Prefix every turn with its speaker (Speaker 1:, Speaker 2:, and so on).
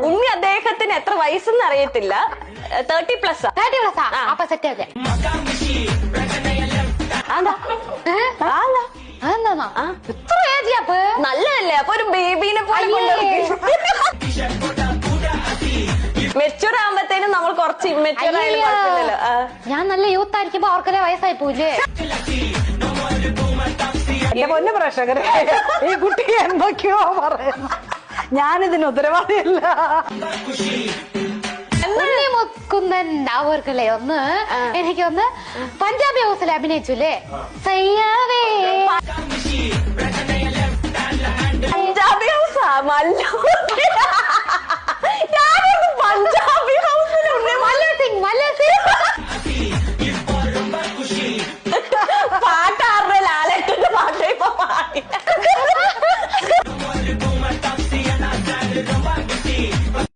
Speaker 1: ഉണ്ണി അദ്ദേഹത്തിന് എത്ര വയസ്സെന്ന് അറിയത്തില്ല, 30+.
Speaker 2: 30+. അപ്പൊ സെറ്റ് അല്ലേ? ഇത്ര ഏജ് അപ്പൊ
Speaker 1: നല്ലതല്ലേ? അപ്പൊ ഒരു ബേബീനെ പോലെ മെച്ചൂർ ആകുമ്പത്തേനും നമ്മൾ കുറച്ച് ഇമ്മെച്ചൂർ ആയാലും കുഴപ്പമില്ലല്ലോ.
Speaker 2: ഞാൻ നല്ല യൂത്ത് ആയിരിക്കുമ്പോ അവർക്കല്ലേ വയസ്സായി പോയില്ലേ?
Speaker 3: എന്റെ പൊന്നു പ്രേക്ഷകരെ, ഈ കുട്ടി എന്തൊക്കെയോ പറയുന്നു. ഞാനിതിന് ഉത്തരവാദിയല്ല.
Speaker 2: മുക്കുന്നൻ അവർക്കല്ലേ ഒന്ന് എനിക്കൊന്ന് പഞ്ചാബി ഹൗസിൽ അഭിനയിച്ചുല്ലേ? സയ്യാവേ
Speaker 1: പഞ്ചാബി ഹൗസാ? മല്ലു